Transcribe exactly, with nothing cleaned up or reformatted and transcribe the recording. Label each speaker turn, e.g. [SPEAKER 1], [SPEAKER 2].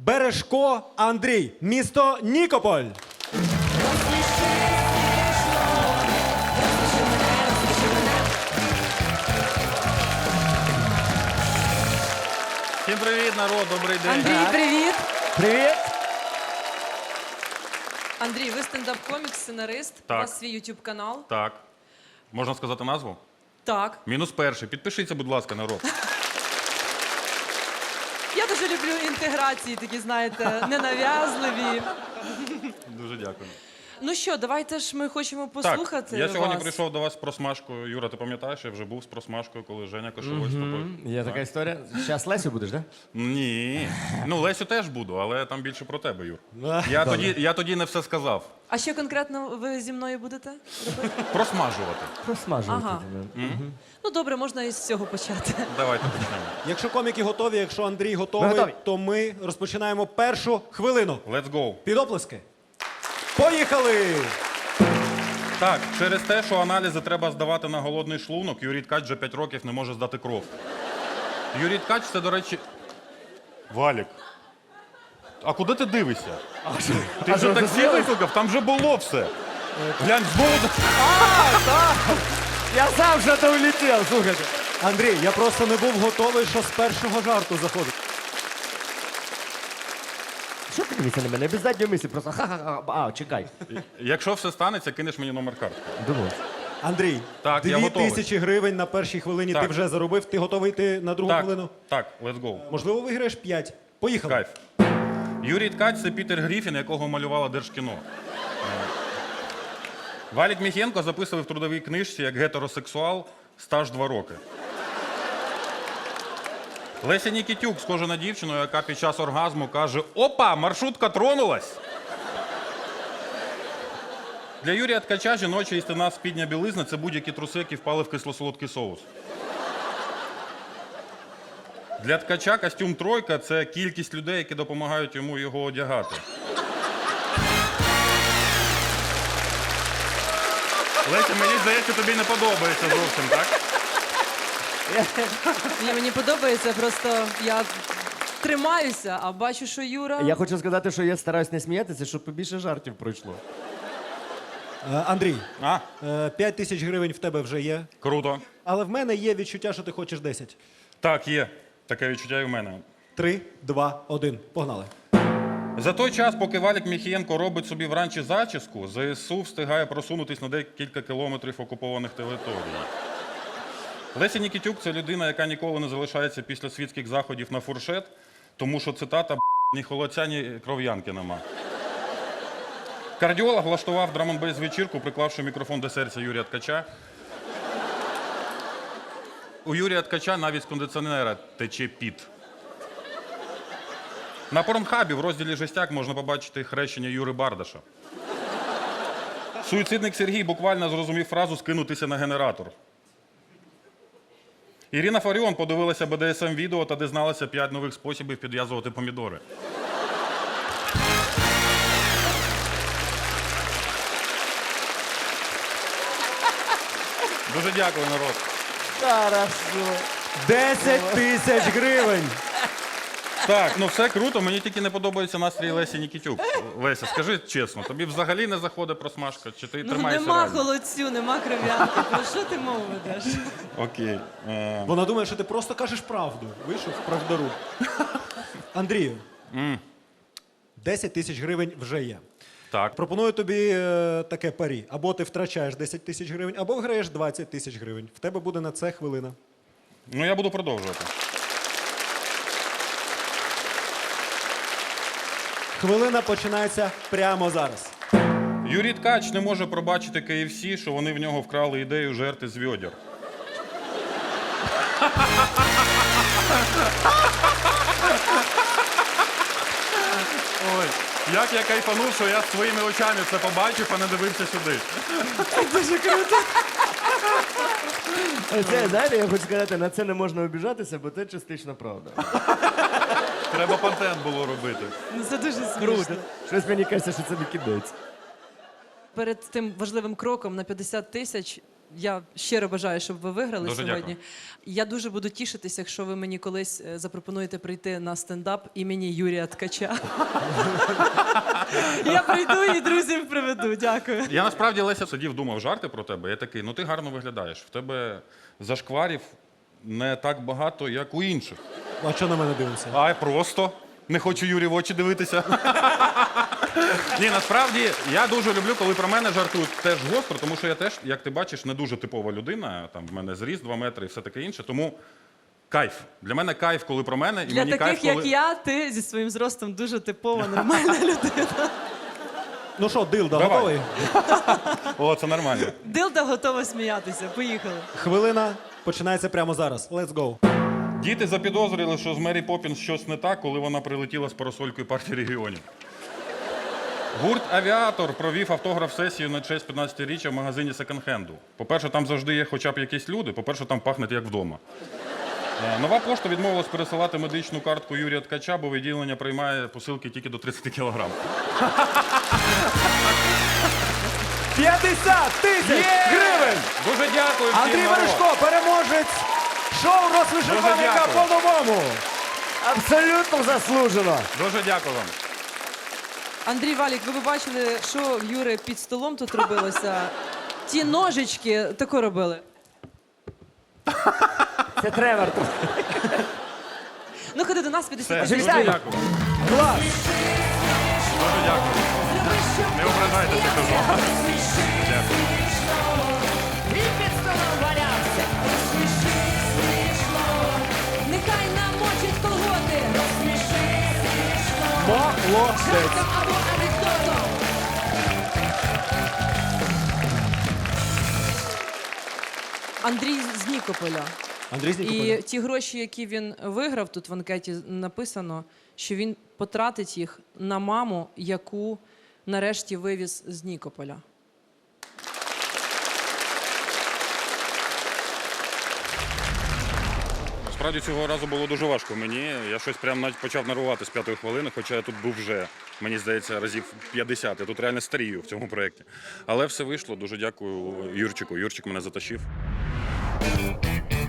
[SPEAKER 1] Бережко Андрій, місто Нікополь.
[SPEAKER 2] Всім привіт, народ, добрий день.
[SPEAKER 3] Андрій, привіт!
[SPEAKER 1] Привіт.
[SPEAKER 3] Андрій, ви стендап-комік, сценарист,
[SPEAKER 2] Так.
[SPEAKER 3] у вас свій ютуб-канал.
[SPEAKER 2] Так. Можна сказати назву?
[SPEAKER 3] Так.
[SPEAKER 2] Мінус перший. Підпишіться, будь ласка, народ.
[SPEAKER 3] Я дуже люблю інтеграції, такі, знаєте, ненав'язливі.
[SPEAKER 2] Дуже дякую.
[SPEAKER 3] Ну що, давайте ж ми хочемо послухати
[SPEAKER 2] Так, я сьогодні
[SPEAKER 3] вас.
[SPEAKER 2] прийшов до вас з просмажкою. Юра, ти пам'ятаєш, я вже був з просмажкою, коли Женя Кошовой з тобою.
[SPEAKER 4] Є така історія. Зараз Лесю будеш, так?
[SPEAKER 2] Ні. Ну, Лесю теж буду, але там більше про тебе, Юр.
[SPEAKER 1] А,
[SPEAKER 2] Я тоді, я тоді не все сказав.
[SPEAKER 3] А що конкретно ви зі мною будете робити?
[SPEAKER 2] Просмажувати.
[SPEAKER 4] Просмажувати.
[SPEAKER 3] Ага. Ну добре, можна із цього почати.
[SPEAKER 2] Давайте почнемо.
[SPEAKER 1] Якщо коміки готові, якщо Андрій готовий,
[SPEAKER 4] Ми готові.
[SPEAKER 1] то ми розпочинаємо першу хвилину.
[SPEAKER 2] Let's go.
[SPEAKER 1] Під оплески. Поїхали!
[SPEAKER 2] Так, через те, що аналізи треба здавати на голодний шлунок, Юрій Ткач вже п'ять років не може здати кров. Юрій Ткач – це, до речі... Валік. А куди ти дивишся? Ти
[SPEAKER 4] а
[SPEAKER 2] вже
[SPEAKER 4] що,
[SPEAKER 2] таксі
[SPEAKER 4] засилась?
[SPEAKER 2] викликав? Там вже було все. Глянь, знову...
[SPEAKER 4] Я сам вже то улетів, слухайте.
[SPEAKER 1] Андрій, я просто не був готовий, що з першого жарту заходить.
[SPEAKER 4] Що ти дивишся на мене? Без задньої мислі, просто ха-ха-ха. А, чекай.
[SPEAKER 2] Якщо все станеться, кинеш мені номер картки.
[SPEAKER 4] Думав.
[SPEAKER 1] Андрій,
[SPEAKER 2] Так, я
[SPEAKER 1] дві
[SPEAKER 2] готовий.
[SPEAKER 1] тисячі гривень на першій хвилині
[SPEAKER 2] Так.
[SPEAKER 1] ти вже заробив. Ти готовий йти на другу
[SPEAKER 2] Так,
[SPEAKER 1] хвилину?
[SPEAKER 2] так, let's go.
[SPEAKER 1] Можливо, виграєш п'ять. Поїхали.
[SPEAKER 2] Кайф. Юрій Ткач – це Пітер Гріфін, якого малювало Держкіно. Е, Валік Міхенко записував в трудовій книжці як гетеросексуал стаж два роки. Леся Нікітюк схожа на дівчину, яка під час оргазму каже: «Опа, маршрутка тронулась!» Для Юрія Ткача жіноча істина спідня білизна – це будь-які труси, які впали в кисло-солодкий соус. Для Ткача костюм «тройка» – це кількість людей, які допомагають йому його одягати. Леся, мені здається, тобі не подобається зовсім, так?
[SPEAKER 3] Ні, мені подобається, просто я тримаюся, а бачу, що Юра...
[SPEAKER 4] Я хочу сказати, що я стараюсь не сміятися, щоб побільше жартів пройшло.
[SPEAKER 1] Е, Андрій,
[SPEAKER 2] А,
[SPEAKER 1] е, п'ять тисяч гривень в тебе вже є.
[SPEAKER 2] круто.
[SPEAKER 1] Але в мене є відчуття, що ти хочеш десять.
[SPEAKER 2] Так, є. Таке відчуття і в мене.
[SPEAKER 1] Три, два, один. Погнали.
[SPEAKER 2] За той час, поки Валік Міхієнко робить собі вранці зачіску, ЗСУ встигає просунутись на декілька кілометрів окупованих територій. Леся Нікітюк – це людина, яка ніколи не залишається після світських заходів на фуршет, тому що, цитата, ні холодця, ні кров'янки нема. Кардіолог влаштував драм-н-бейс вечірку, приклавши мікрофон до серця Юрія Ткача. У Юрія Ткача навіть з кондиціонера тече піт. На Порнхабі в розділі «Жестяк» можна побачити хрещення Юри Бардаша. Суїцидник Сергій буквально зрозумів фразу «скинутися на генератор». Ірина Фаріон подивилася бе де ес ем-відео та дізналася п'ять нових способів підв'язувати помідори. Дуже дякую, народ.
[SPEAKER 4] Хорошо.
[SPEAKER 1] Десять тисяч гривень.
[SPEAKER 2] Так, ну все круто, мені тільки не подобається настрій Лесі Нікітюк. Леся, скажи чесно, тобі взагалі не заходить просмажка, чи ти
[SPEAKER 3] Ну
[SPEAKER 2] тримаєшся
[SPEAKER 3] нема
[SPEAKER 2] реально?
[SPEAKER 3] холодцю, нема кров'янки. Про що ти мову ведеш?
[SPEAKER 2] Окей. Е,
[SPEAKER 1] Вона думає, що ти просто кажеш правду. Вийшов правдоруб. Андрію, десять тисяч гривень вже є.
[SPEAKER 2] так.
[SPEAKER 1] Пропоную тобі е, таке парі. Або ти втрачаєш десять тисяч гривень, або виграєш двадцять тисяч гривень. В тебе буде на це хвилина.
[SPEAKER 2] Ну я буду продовжувати.
[SPEAKER 1] Хвилина починається прямо зараз.
[SPEAKER 2] Юрій Ткач не може пробачити кей еф сі, що вони в нього вкрали ідею жерти з відьор. Ой, як я кайфанув, що я своїми очами це побачив, а не дивився сюди.
[SPEAKER 4] Це, знаєте, я хочу сказати, на це не можна обіжатися, бо це частично правда.
[SPEAKER 2] Треба контент було робити.
[SPEAKER 3] Ну це дуже смішно.
[SPEAKER 4] Щось мені кажеться, що це не кінець.
[SPEAKER 3] Перед тим важливим кроком на п'ятдесят тисяч я щиро бажаю, щоб ви виграли
[SPEAKER 2] Дуже
[SPEAKER 3] сьогодні.
[SPEAKER 2] дякую.
[SPEAKER 3] Я дуже буду тішитися, якщо ви мені колись е, запропонуєте прийти на стендап імені Юрія Ткача. Я прийду і друзів приведу. Дякую.
[SPEAKER 2] Я насправді, Леся, сидів, думав жарти про тебе. Я такий, ну ти гарно виглядаєш. В тебе зашкварів не так багато, як у інших.
[SPEAKER 1] А що на мене дивишся?
[SPEAKER 2] А просто не хочу Юрі в очі дивитися. Ні, насправді я дуже люблю, коли про мене жартують теж гостро, тому що я теж, як ти бачиш, не дуже типова людина. Там в мене зріст два метри і все таке інше. Тому кайф. Для мене кайф, коли про мене, і
[SPEAKER 3] Для
[SPEAKER 2] мені
[SPEAKER 3] таких,
[SPEAKER 2] кайф,
[SPEAKER 3] як
[SPEAKER 2] коли...
[SPEAKER 3] я, ти зі своїм зростом дуже типова, нормальна людина.
[SPEAKER 1] Ну що, Дилда,
[SPEAKER 2] Давай.
[SPEAKER 1] готовий?
[SPEAKER 2] О, це нормально.
[SPEAKER 3] Дилда готова сміятися. Поїхали.
[SPEAKER 1] Хвилина починається прямо зараз. Let's go.
[SPEAKER 2] Діти запідозрили, що з Мері Поппінс щось не так, коли вона прилетіла з парасолькою партії регіонів. Гурт «Авіатор» провів автограф-сесію на честь п'ятнадцятиріччя в магазині секонд-хенду. По-перше, там завжди є хоча б якісь люди, по-перше, там пахне як вдома. Е, Нова пошта відмовилась пересилати медичну картку Юрія Ткача, бо відділення приймає посилки тільки до тридцять кілограм.
[SPEAKER 1] п'ятдесят тисяч гривень!
[SPEAKER 2] Дуже дякую всім,
[SPEAKER 1] Андрій
[SPEAKER 2] народ.
[SPEAKER 1] Мережко, переможець шоу «Розсміши
[SPEAKER 2] Дуже
[SPEAKER 1] коміка»
[SPEAKER 2] дякую.
[SPEAKER 1] по-новому.
[SPEAKER 4] Абсолютно заслужено.
[SPEAKER 2] Дуже дякую вам.
[SPEAKER 3] Андрій Валік, ви б бачили, що в Юри під столом тут робилося. Ті ножички тако робили.
[SPEAKER 4] Це Тревор.
[SPEAKER 3] Ну, ходи до нас, підійди.
[SPEAKER 2] Все, дуже
[SPEAKER 4] вітаю.
[SPEAKER 2] дякую.
[SPEAKER 1] Клас!
[SPEAKER 2] Дуже дякую. Не ображайтеся, кажу. Дякую.
[SPEAKER 3] Нехай намочить колготи.
[SPEAKER 1] Молодець!
[SPEAKER 3] Або анекдотом. Андрій з Нікополя.
[SPEAKER 1] Андрій з
[SPEAKER 3] І
[SPEAKER 1] Нікополя.
[SPEAKER 3] ті гроші, які він виграв, тут в анкеті написано, що він потратить їх на маму, яку нарешті вивіз з Нікополя.
[SPEAKER 2] Справді цього разу було дуже важко мені. Я щось прям навіть почав нервувати з п'ятої хвилини, хоча я тут був вже, мені здається, разів п'ятдесят. Я тут реально старію в цьому проєкті. Але все вийшло. Дуже дякую Юрчику. Юрчик мене затащив.